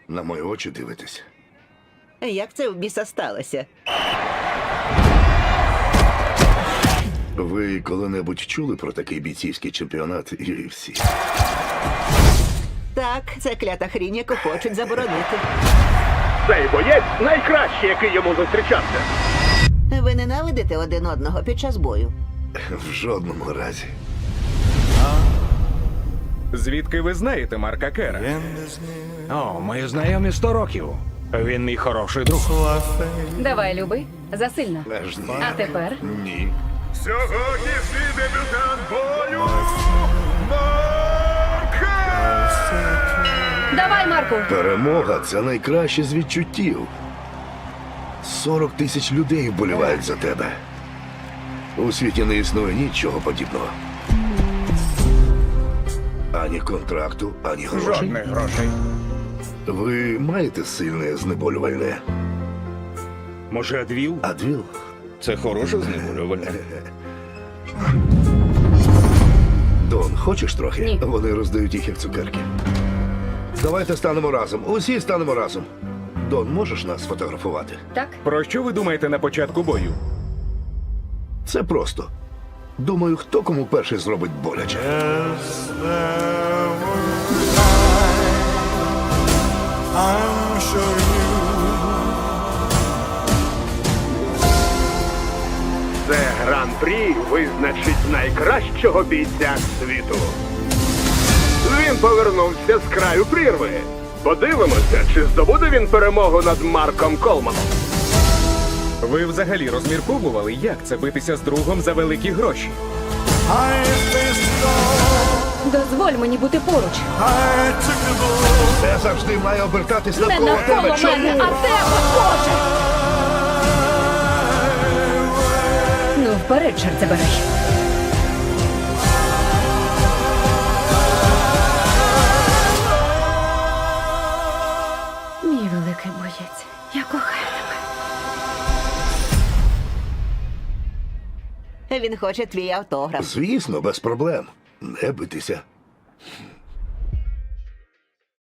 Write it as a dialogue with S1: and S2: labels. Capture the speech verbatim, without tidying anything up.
S1: На мої очі дивитесь.
S2: Як це в біса сталося?
S1: Ви коли-небудь чули про такий бійцівський чемпіонат ю еф сі?
S2: Так, це клята хрінь, яку хочуть заборонити.
S3: Цей боєць найкращий, який йому зустрічався.
S2: Ви ненавидите один одного під час бою?
S1: В жодному разі.
S4: Звідки ви знаєте Марка Кера? О, ми знайомі сто років. Він мій хороший друг.
S5: Давай, люби, засильно.
S1: Аж ні.
S5: А тепер?
S1: Ні.
S3: Сьогоднішній дебютант бою Марк Кер!
S5: Давай, Марку!
S1: Перемога – це найкраще з відчуттів. сорок тисяч людей вболівають за тебе. У світі не існує нічого подібного. Ані контракту, ані грошей.
S4: Жодних грошей.
S1: Ви маєте сильне знеболювальне?
S4: Може, Адвіл?
S1: Адвіл?
S4: Це хороше знеболювальне.
S1: Дон, хочеш трохи?
S5: Ні.
S1: Вони роздають їх як цукерки. Давайте станемо разом. Усі станемо разом. Дон, можеш нас сфотографувати?
S5: Так?
S4: Про що ви думаєте на початку бою?
S1: Це просто. Думаю, хто кому перший зробить боляче.
S6: I'm sure you
S3: Це гран-прі визначить найкращого бійця світу. Він повернувся з краю прірви. Подивимося, чи здобуде він перемогу над Марком Колманом.
S4: Ви взагалі розмірковували, як це битися з другом за великі гроші?
S6: I faced it all.
S5: Дозволь мені бути поруч.
S6: I took the bull.
S1: Це завжди має обертатись
S5: Не
S1: навколо
S5: навколо
S1: тебе. Чому?
S5: мене, а тебе, Боже! Ну, вперед, чорт забирай. Мій великий боєць, я кохаю тебе.
S2: Він хоче твій автограф.
S1: Звісно, без проблем. Не битися.